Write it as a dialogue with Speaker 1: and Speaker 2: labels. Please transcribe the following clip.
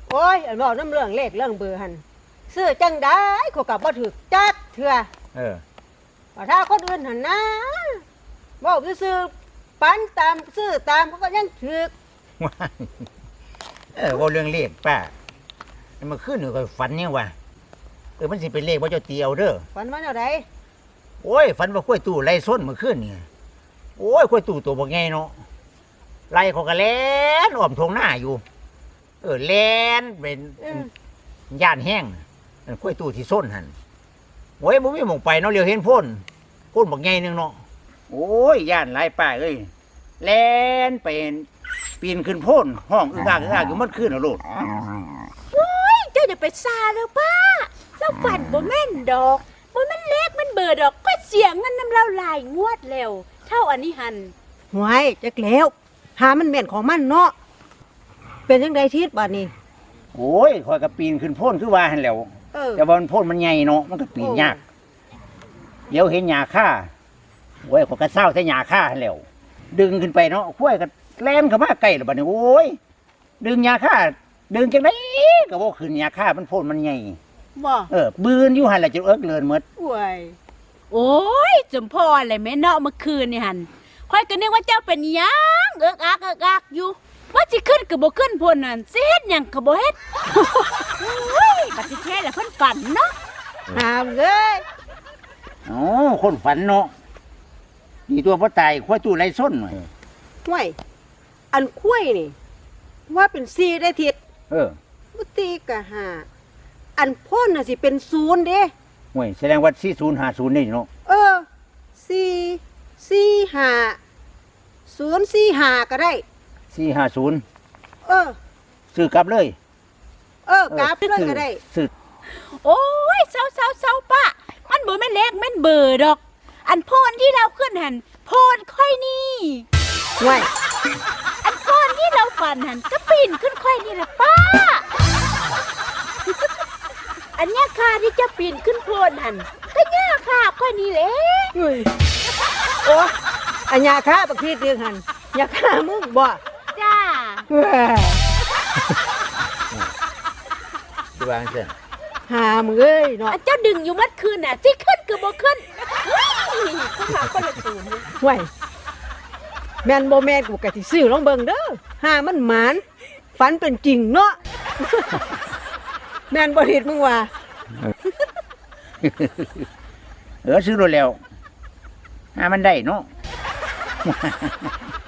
Speaker 1: โอ้ยอันบอกน้ำเรื่องเลขเรื่องเบอร์หันซื้อจังได้เขากับบ่ถือจักเถื่อแต่ถ้าคนอื่นหันนะบอกซื้อปันตามซื้อตามเขาก็ยังถือ
Speaker 2: ว่าเรื่องเลขป้ามันขึ้นหนูก็ฝันเนี่ยว่ะมันสิเป็นเลขว่าเจ้าเตียวเด้อ
Speaker 1: ฝันว่าอะไร
Speaker 2: โอ้ยฝันว่าข้วยตู่ไล่ส้นมาขึ้นนี่โอ้ยข้วยตู่ตัวบ่ไงเนาะไล่เขาก็แล่นอ้อมทงหน้าอยู่แล่นเป็นย่านแห้งข้วยตู่ที่ส้นหันโอ้ยบ่มีหม่องไปเนาะเรียวเห็นพ่นบ่ไงนึงเนาะโอ้ยย่านไล่ป้าเอ้ยแล่นเป็นปีนขึ้นโพ่นห้องอึ้งอ่างอยู่มันขึ้นเอาโลด
Speaker 3: เจ้าอย่าไปซาเลยป้าเราฝันบ่แม่นดอกบ่แม่นเลขมันเบอร์ดอกก็เสียงเงินน้ำเราหลายงวดแล้วเท่าอันนี้หัน
Speaker 1: หวยจักแล้วหามันแม่นของมันเนาะเป็นจังไดทิศบัดนี้
Speaker 2: โอ้ยคอยกับปีนขึ้นโพ่นคือว่าหันแหล้ว แต่ว่ามันโพ่นมันใหญ่เนาะมันก็ปีนยากเดี๋ยวเห็นหญ้าค่าโอ้ยขอยกระเซ้าใส่หญ้าค่าหันแหล้วดึงขึ้นไปเนาะข้วยก็แล่นเข้ามาใกล้แล้วบัดนี้โอ้ยดึงหญ้าค่าดึงจังได๋ก็บ่ขึ้นหญ้าค่ามันโพ่นมันใหญ่
Speaker 1: บ่
Speaker 2: บืนอยู่หั่นแหละจะเอิกเลินหมด
Speaker 1: หวย
Speaker 3: โอ้ยจมพ่ออะไรแม่เนาะเมื่อคืนนี่หันค่อยก็นึกว่าเจ้าเป็นหยังเอิกอักอยู่ว่าสิขึ้นก็บ่ขึ้นพ่นนั่นสิเฮ็ดหยังก็บ่เฮ็ดโอ้ยบัดสิแท้แล้วเพิ่นฝันเนาะ
Speaker 1: หามเอ้ย
Speaker 2: อ๋อคนฝันเนาะดีตัวบ่ตายข้วยตู้ไร้ส้นหน่อย
Speaker 1: หวยอันคุ้ยนี่ว่าเป็น4ได้ทิศ บุตีกะหาอันพ่นน่ะสิเป็น0เด้
Speaker 2: ห่วยแสดงว่า4050นี่เนาะ
Speaker 1: 445 045ก็ได้
Speaker 2: 450
Speaker 1: เออ
Speaker 2: ซื้อกลับเลย
Speaker 1: กราฟเลยก็ได้
Speaker 2: ซื้อ
Speaker 3: โอ้ยเศร้าป้ามันบ่แม่นเลขแม่นเบอร์ดอก อันโพนที่เราขึ้นหันโพนค่อยนี่
Speaker 1: ไว้
Speaker 3: อันโพนที่เราฝันหันก็ปีนขึ้นค่อยนี่ล่ะป้า อันเนี้ยค่ะที่จะปีนขึ้นโพนหันก็เนี้ยค่ะค่อยนี่แหละ
Speaker 1: เฮ้ยโอ้อันยาฆ่าบักทีเดืองหันยาฆ่ามึงบ่
Speaker 3: จ้า
Speaker 1: แหว่
Speaker 2: สิว่าจังซั่น
Speaker 1: หามึงเอ้ยเนาะ
Speaker 3: อันเจ้าดึงอยู่มัดคืนน่ะที่ขึ้นก็บ่ขึ้นขึ้นมาคนละตูนเลย
Speaker 1: ไว้แม่นบ่แม่นกูกะสิซื้อลองเบิ่งเด้อหามันหมานฝันเป็นจริงเนาะ แม่นบ่ทิดมึงว่า
Speaker 2: ซื้อรถแล้วมันได้เนาะ